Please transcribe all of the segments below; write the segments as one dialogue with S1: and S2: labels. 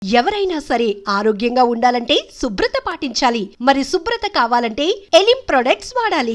S1: ఎవరైనా సరే ఆరోగ్యంగా ఉండాలంటే శుభ్రత పాటించాలి. మరి శుభ్రత కావాలంటే ఎలిం ప్రొడక్ట్స్ వాడాలి.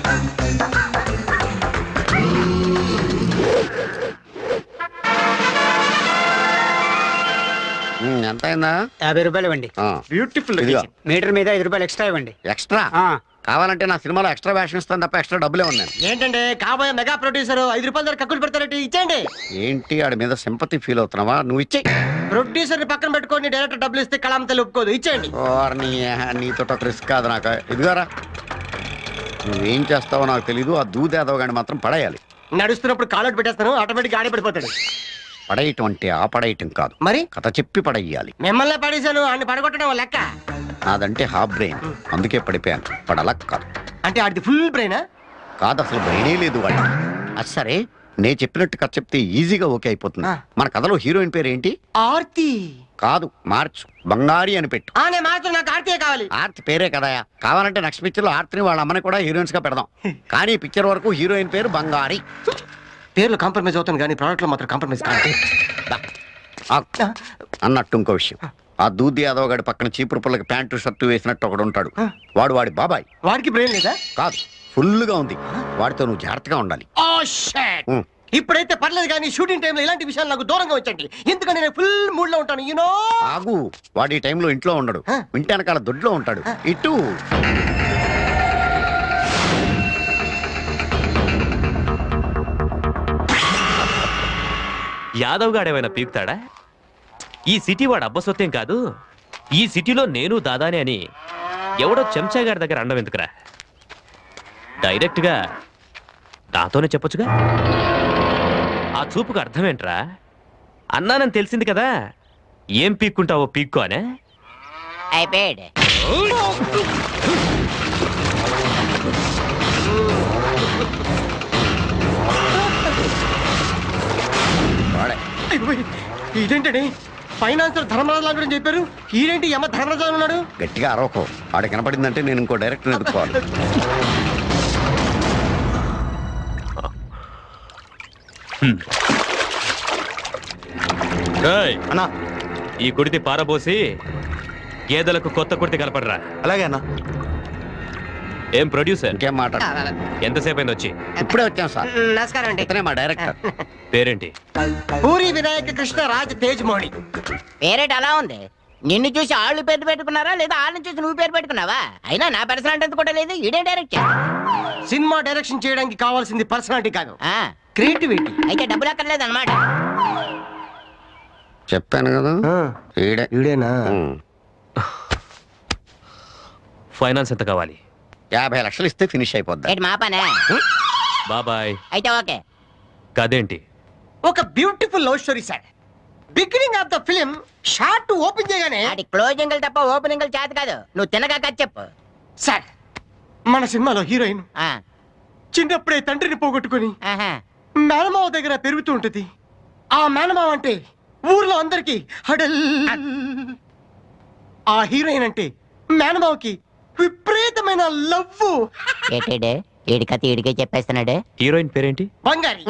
S2: ఎంత అయిందా?
S3: 50 రూపాయలు ఇవ్వండి.
S2: బ్యూటిఫుల్.
S3: మీటర్ మీద 5 రూపాయలు ఎక్స్ట్రా ఇవ్వండి.
S2: ఎక్స్ట్రా కావాలంటే నా సినిమాలో ఎక్స్ట్రా వేషన్ ఇస్తాను తప్ప ఎక్స్ట్రా డబ్బులే ఉన్నాయి.
S3: ఏంటంటే కాబోయే మెగా ప్రొడ్యూసర్ 5 రూపాయల ధర కక్కులు పెడతారంటే ఇచ్చేయండి.
S2: ఏంటి ఆడి మీద సింపతి ఫీల్ అవుతున్నావా? నువ్వు ఇచ్చే.
S3: ప్రొడ్యూసర్ ని పక్కన పెట్టుకొని డైరెక్టర్ డబ్బులు ఇస్తే కళాం తల్లి ఒప్పుకోదు. ఇచ్చేయండి.
S2: నీతో ఒక రిస్క్ కాదు నాకు. ఇదిగారా, నువ్వేం చేస్తావో నాకు తెలీదు. ఆ దూదేదవ గాని మాత్రం పడేయాలి.
S3: నడుస్తున్నప్పుడు కాలౌట్ పెట్టేస్తాను, ఆటోమేటిక్ ఆడే పడిపోతాడు.
S2: పడేయటం అంటే ఆ పడేయటం కాదు,
S3: మరి
S2: కథ చెప్పి పడేయాలి.
S3: మిమ్మల్ని పడేశాను, అన్ని పడగొట్టడం లెక్క.
S2: నాదంటే హాఫ్ బ్రెయిన్, అందుకే పడిపోయాను. పడలక్ కాదు.
S3: అంటే ఆడిది ఫుల్ బ్రెయినా?
S2: కాదు, అసలు బ్రెయినే లేదు వాడికి. అది సరే, నేను చెప్పినట్టు కథ చెప్తే ఈజీగా ఓకే అయిపోతుంది. మన కథలో హీరోయిన్ పేరు ఏంటి?
S3: ఆర్తి.
S2: కాదు, మార్చు, బంగారి అని పెట్టు.
S3: నేను మాత్రం నాకు ఆర్తియే కావాలి.
S2: ఆర్తి పేరే కదయా. కావాలంటే నెక్స్ట్ పిక్చర్ లో ఆర్తిని వాళ్ళ అమ్మని కూడా హీరోయిన్స్ గా పెడదాం. కానీ పిక్చర్ వరకు హీరోయిన్ పేరు బంగారి.
S3: పేర్లు కాంప్రమైజ్ అవుతాను కానీ ప్రోడక్ట్ లో మాత్రం కాంప్రమైజ్ కాదు.
S2: అన్నట్టు ఇంకో విషయం, ఆ దూది యాదవ్ గడి పక్కన చీపురు పుల్లకి ప్యాంటు షర్టు వేసినట్టు ఒకడు ఉంటాడు. వాడు వాడి బాబాయ్.
S3: వాడికి బ్రెయిన్ లేదా?
S2: కాదు, ఫుల్ గా ఉంది. వాడితో నువ్వు జాగ్రత్తగా ఉండాలి.
S3: ఇప్పుడైతే పర్లేదు కానీ షూటింగ్ టైంలో ఇలాంటి విషయాలు నాకు దూరంగా వచ్చండి. ఎందుకంటే నేను ఫుల్ మూడ్ లో ఉంటాను. యూనో.
S2: ఆగు, వాడి ఈ టైంలో ఇంట్లో ఉండడు. ఇంటి వెనకాల దొడ్లో ఉంటాడు. ఇటు
S4: యాదవ్ గాడేమైనా పీకుతాడా? ఈ సిటీ వాడు అబ్బసొత్తేం కాదు. ఈ సిటీలో నేను దాదానే అని ఎవడో చెంచాగాడి దగ్గర అండం ఎందుకురా? డైరెక్ట్గా నాతోనే చెప్పొచ్చుగా. ఆ చూపుకు అర్థమేంట్రా? అన్నానని తెలిసింది కదా, ఏం పీక్కుంటావో పీక్కో అనే.
S5: అయిపోయాడు.
S3: ఇదేంటండి, ఫైనాన్సర్ ధర్మరాజు గురించి చెప్పారు, ఈడేంటి యమ ధర్మరాజు ఉన్నాడు?
S2: గట్టిగా అరవకో. ఆడ కనపడిందంటే నేను ఇంకో డైరెక్టర్ ఎదుర్కోవాలి.
S4: అన్నా, ఈ కుడితి పారబోసి గేదెలకు కొత్త కుడితి కలపడరా.
S2: అలాగే అన్న.
S4: ఏం ప్రొడ్యూసర్,
S2: ఇంకేం మాట?
S4: ఎంతసేపు అయింది వచ్చి?
S2: ఇప్పుడే వచ్చాం సార్.
S3: నమస్కారం అండి.
S2: ఇతనే మా డైరెక్టర్.
S4: పేరేంటి?
S3: పూరి వినాయక కృష్ణ రాజ్ తేజ్ మోహని.
S5: పేరేట అలా ఉంది. నిన్ను చూసి ఆళ్ళు పేరు పెట్టుకున్నారా లేదా వాళ్ళని చూసి నువ్వు పేరు పెట్టుకున్నావా? అయినా నా పర్సనాలిటీ అంత కూడా లేదు. ఇదే డైరెక్ట్
S3: సినిమా డైరెక్షన్ చేయడానికి కావాల్సింది పర్సనాలిటీ కాదు,
S5: ఆ
S3: క్రియేటివిటీ.
S5: అయితే డబ్బులు అక్కర్లేదు అనమాట.
S2: చెప్పాను కదా,
S3: ఈడేనా?
S4: ఫైనాన్స్ ఎంత కావాలి?
S2: 50 లక్షలు ఇస్తే ఫినిష్ అయిపోద్ది.
S5: ఏంటి మా పనే?
S4: బాబాయ్.
S5: అయితే ఓకే.
S4: కదేంటి?
S3: ఒక beautiful love story sir. Beginning of the film short open చేయగానే
S5: వాటి క్లోజింగ్ తప్ప ఓపెనింగ్ చేత కాదు. నువ్వు తినగా కథ చెప్పు
S3: సార్. మన సినిమాలో హీరోయిన్
S5: ఆ,
S3: చిన్నప్పుడే తండ్రిని పోగొట్టుకుని
S5: ఆహా.
S3: మేనమావ దగ్గర పెరుగుతూ ఉంటుంది. ఆ మేనమావ అంటే ఊర్లో అందరికి హడల్. ఆ హీరోయిన్ అంటే మేనమావకి విపరీతమైన లవ్.
S5: ఏటేడే ఏడి కథ ఏడికే చెప్పేస్తున్నాడు.
S4: హీరోయిన్ పేరేంటి?
S3: బంగారి.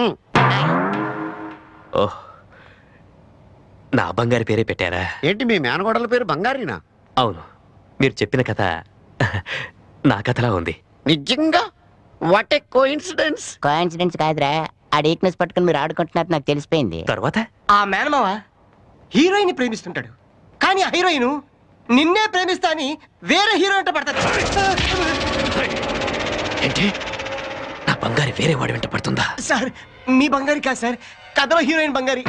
S4: ఓహ్, నా బంగారి పేరే పెట్టారా?
S2: ఏంటి మీ మేనగోడల పేరు బంగారీనా?
S4: అవును, మీరు చెప్పిన కథ నా కథలా ఉంది.
S2: నిజంగా? What a coincidence.
S5: కోఇన్సిడెన్స్ కాదురా, ఆ వీక్నెస్ పట్టుకుని మీరు ఆడుకుంటున్నారు నాకు తెలిసిపోయింది.
S4: తర్వాత
S3: ఆ మేనమావ హీరోయిన్ ప్రేమిస్తుంటాడు, కానీ ఆ హీరోయిన్ నిన్నే ప్రేమిస్తా అని వేరే హీరోయిన్ పడతాడు.
S4: ఏంటి, నా బంగారి వేరే వాడి వెంట పడుతుందా?
S3: సార్, మీ బంగారి కాదు సార్, కథలో హీరోయిన్ బంగారి.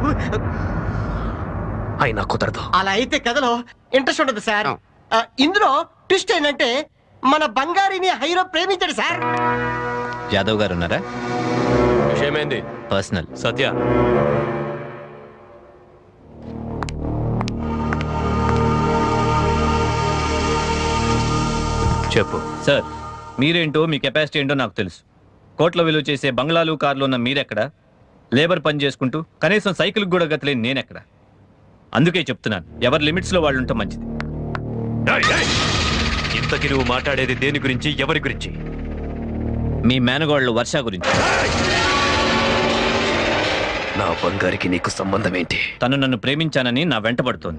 S4: అయినా కుదరదు.
S3: అలా అయితే కథలో ఇంట్రెస్ట్ ఉండదు సార్. ఇందులో ట్విస్ట్ ఏంటంటే మన బంగారిని హీరో ప్రేమించాడు సార్.
S6: యాదవ్ గారు ఉన్నారా?
S4: విషయమైంది
S6: పర్సనల్.
S4: సత్య, చెప్పు.
S6: సార్, మీరేంటో మీ కెపాసిటీ ఏంటో నాకు తెలుసు. కోట్ల విలువ చేసే బంగ్లాలు కార్లు ఉన్న మీరెక్కడ? లేబర్ పని చేసుకుంటూ కనీసం సైకిల్ కూడా గతలేని నేనెక్కడ? అందుకే చెప్తున్నాను, ఎవరి లిమిట్స్లో వాళ్ళు ఉంటే మంచిది.
S4: ఇంతకి నువ్వు మాట్లాడేది దేని గురించి, ఎవరి గురించి?
S6: మీ మేనగోళ్ళు వర్ష గురించి.
S4: నా బంగారికి నీకు సంబంధం ఏంటి?
S6: తను నన్ను ప్రేమించానని నా వెంటబడుతోంది.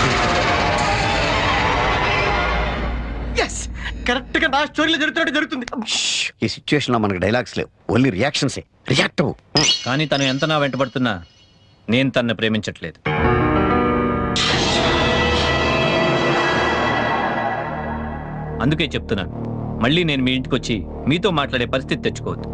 S3: ఎస్, కరెక్ట్ గా నా స్టోరీలో జరుగుతుంది.
S2: ఈ సిచ్యువేషన్ లో మనకి డైలాగ్స్ లేవు, ఓన్లీ రియాక్షన్సే. రియాక్ట్ అవ్వు.
S6: కానీ తను ఎంత నా వెంటబడుతున్నా నేను తన్ను ప్రేమించట్లేదు. అందుకే చెప్తున్నాను, మళ్ళీ నేను మీ ఇంటికి వచ్చి మీతో మాట్లాడే పరిస్థితి తెచ్చుకోవద్దు.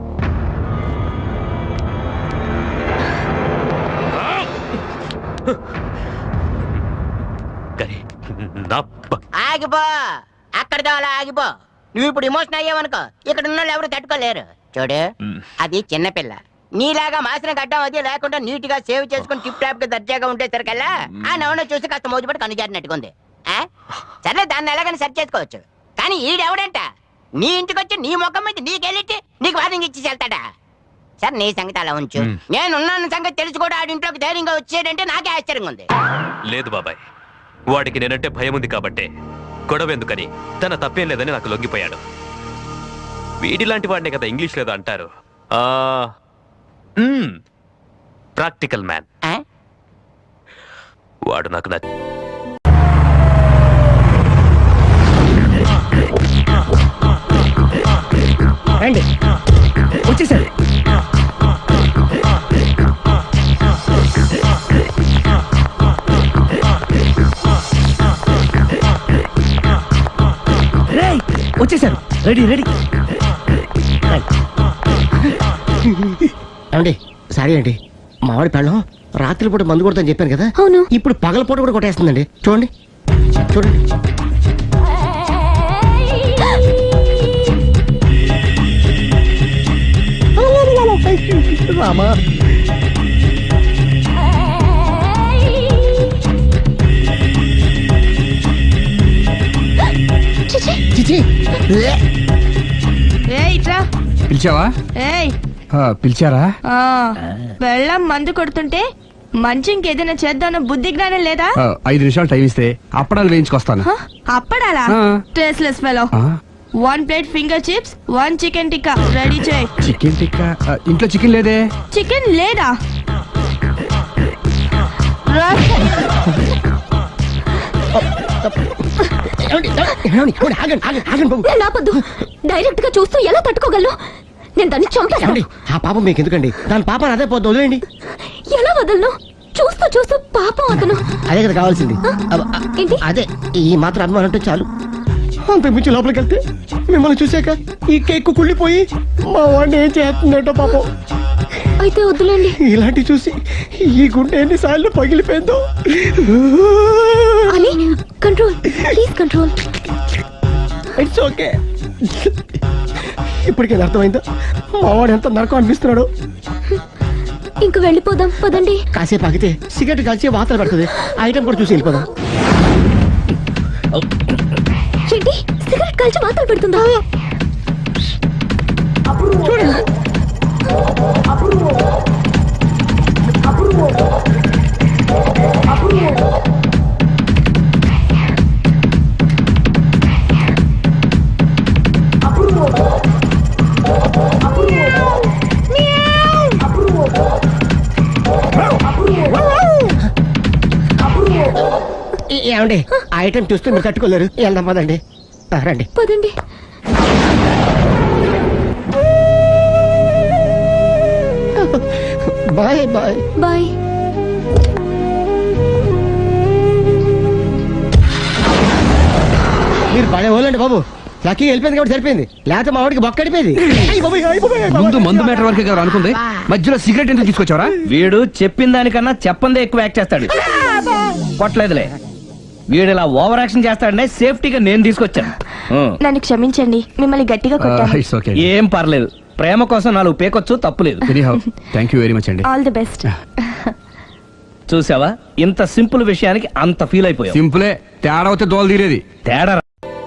S4: కానీ నా
S5: ఆగిపో, అక్కడితో అలా ఆగిపో. నువ్వు ఇప్పుడు ఎమోషన్ అయ్యావనుకో, ఇక్కడ ఉన్న వాళ్ళు ఎవరు తట్టుకోలేరు. చూడు, అది చిన్నపిల్ల. నీలాగా మాసిన గడ్డం అది లేకుండా నీట్ గా సేవ్ చేసుకుని టిప్ టాప్ గా దర్జాగా ఉండేసరికల్లా ఆ నవ్వును చూసి కాస్త మోజుపడి కనుజారినట్టుకుంది. సరే, దాన్ని ఎలాగని సెర్చ్ చేసుకోవచ్చు. కానీ ఈడెవడంట నీ ఇంటికి వచ్చి నీ ముఖం మీద నీకెళ్ళి నీకు వార్నింగ్ ఇచ్చి వెళ్తాడా? సరే, నీ సంగతి అలా ఉంచు. నేనున్నాను సంగతి తెలిసి కూడా ఆడింట్లోకి ధైర్యంగా వచ్చేటంటే నాకే ఆశ్చర్యంగా ఉంది.
S4: లేదు బాబాయ్, వాడికి నేనంటే భయం ఉంది కాబట్టే గొడవ ఎందుకని తన తప్పేం లేదని నాకు లొంగిపోయాడు. వీడిలాంటి వాడినే కదా ఇంగ్లీష్ లేదో అంటారు, ప్రాక్టికల్ మ్యాన్. వాడు నాకు
S3: రండి, వచ్చేసారు. వచ్చేసారు, రెడీ రెడీ. అండి, సారీ అండి, మామిడి పెళ్ళం రాత్రిపూట మందు కొడతాను చెప్పాను కదా.
S7: అవును.
S3: ఇప్పుడు పగలపూట కూడా కొట్టేస్తుందండి. చూడండి చూడండి. రామా, చిచి,
S8: పిలిచావా? పిలిచారా?
S7: వెళ్ళం మందు కొడుతుంటే మంచి ఇంకేదైనా చేద్దామన్న బుద్ధి జ్ఞానం లేదా?
S8: 5 నిమిషాలు టైం ఇస్తే అప్పడాలు వేయించుకొస్తాను.
S7: అప్పడాలా? Tasteless fellow. 1 plate finger chips, 1 chicken tikka ready చేయి.
S8: చికెన్ టిక్కా? ఇంట్లో చికెన్ లేదే.
S7: చికెన్ లేదా?
S9: నాపొద్దు. డైరెక్ట్ గా చూస్తూ ఎలా తట్టుకోగలను? నేను దాన్ని చంపాను.
S3: ఆ పాపం మీకు ఎందుకండి? దాని పాపం అదే పోద్దు, వదిలేండి.
S9: ఎలా వదలను? చూస్తూ చూస్తూ పాపం అతను.
S3: అదే కదా కావాల్సింది.
S9: ఏంటి?
S3: అదే, ఈ మాత్రం అభిమానం అంటే చాలు. అంత మించి లోపలికి వెళ్తే మిమ్మల్ని చూసాక ఈ కేక్ కుళ్ళిపోయి మా వాడిని ఏం చేస్తుందంటో పాపం.
S9: అయితే వద్దులేండి.
S3: ఇలాంటి చూసి ఈ గుండె ఎన్నిసార్లు పగిలిపోయిందో.
S9: అని control, please control.
S3: It's okay. ఇప్పటికే అర్థమైందా మా వాడు ఎంత నరకం అనిపిస్తున్నాడు?
S9: ఇంక వెళ్ళిపోదాం పదండి.
S3: కాసేపు ఆగితే సిగరెట్ కలిసి వాతలు పడుతుంది. ఐటమ్ కూడా చూసి వెళ్ళిపోదాం.
S9: ఏంటి, సిగరెట్ కాల్చి వాతలు పెడుతుందా?
S3: ఏమండి, ఆ ఐటమ్ చూస్తే మీరు తట్టుకోలేరు. వెళ్దాం పదండి. రండి
S9: పదండి.
S3: Bye bye
S9: bye.
S3: మీరు పడే వాళ్ళండి బాబు. లక్కీ వెళ్ళిపోయింది కాబట్టి సరిపోయింది, లేకపోతే మా వాడికి బొక్క అడిపోయింది.
S8: ముందు మందు మ్యాటర్ వరకే కదా అనుకుంది, మధ్యలో సిగరెట్ ఎందుకు తీసుకొచ్చావరా?
S10: వీడు చెప్పిన దానికన్నా చెప్పందే ఎక్కువ యాక్ట్ చేస్తాడు. కొట్టలేదులే, వీడు ఇలా ఓవర్ యాక్షన్ చేస్తాడనే సేఫ్టీగా నేను తీసుకొచ్చాను.
S7: నన్ను క్షమించండి, మిమ్మల్ని గట్టిగా కొట్టాను.
S8: It's okay.
S10: ఏం పర్లేదు, ప్రేమ కోసం 4 పేకొచ్చు, తప్పులేదు.
S8: ఎనీహౌ థాంక్యూ వెరీ మచ్ అండి.
S7: All the best.
S10: చూసావా, ఇంత సింపుల్ విషయానికి అంత ఫీల్ అయిపోయావు.
S8: సింపులే, తేడా అవుతే దోలు తీరేది.
S10: తేడా